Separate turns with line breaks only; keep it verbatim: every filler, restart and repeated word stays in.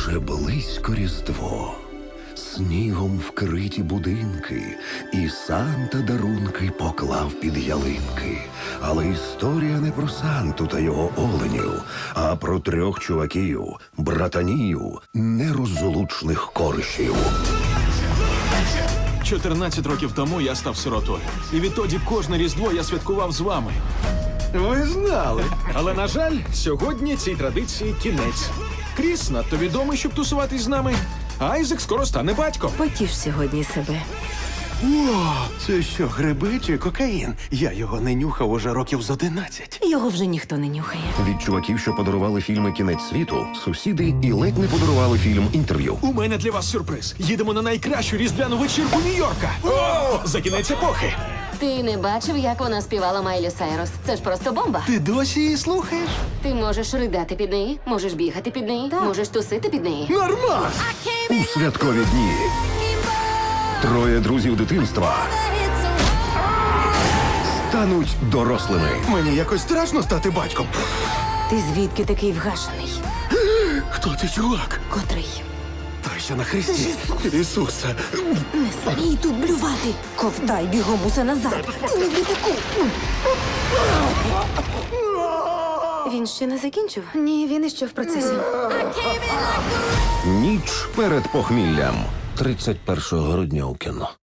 Уже близько Різдво, снігом вкриті будинки, і Санта дарунки поклав під ялинки. Але історія не про Санту та його оленів, а про трьох чуваків, братанів, нерозлучних коришів.
чотирнадцять років тому я став сиротою. І відтоді кожне Різдво я святкував з вами.
Ви знали.
Але, на жаль, сьогодні цій традиції кінець. Кріс надто відомий, щоб тусуватись з нами, а Айзек скоро стане батьком.
Потіш сьогодні себе.
О, це що, гриби чи кокаїн? Я його не нюхав уже років з одинадцять.
Його вже ніхто не нюхає.
Від чуваків, що подарували фільми «Кінець світу», сусіди і ледь не подарували фільм «Інтерв'ю».
У мене для вас сюрприз. Їдемо на найкращу різдвяну вечірку Нью-Йорка. О! За кінець епохи.
Ти не бачив, як вона співала Майлі Сайрус? Це ж просто бомба.
Ти досі її слухаєш?
Ти можеш ридати під неї, можеш бігати під неї, можеш тусити під неї.
Нормас!
У святкові дні троє друзів дитинства стануть дорослими.
Мені якось страшно стати батьком.
Ти звідки такий вгашений?
Хто ти, чувак?
Котрий?
Той, що на хресті. Ісусе.
Не смій тут блювати. Ковтай бігом усе назад. Ти не в літаку. Він ще не закінчив? Ні, він іще в процесі.
Ніч перед похміллям. тридцять першого грудня у кіно.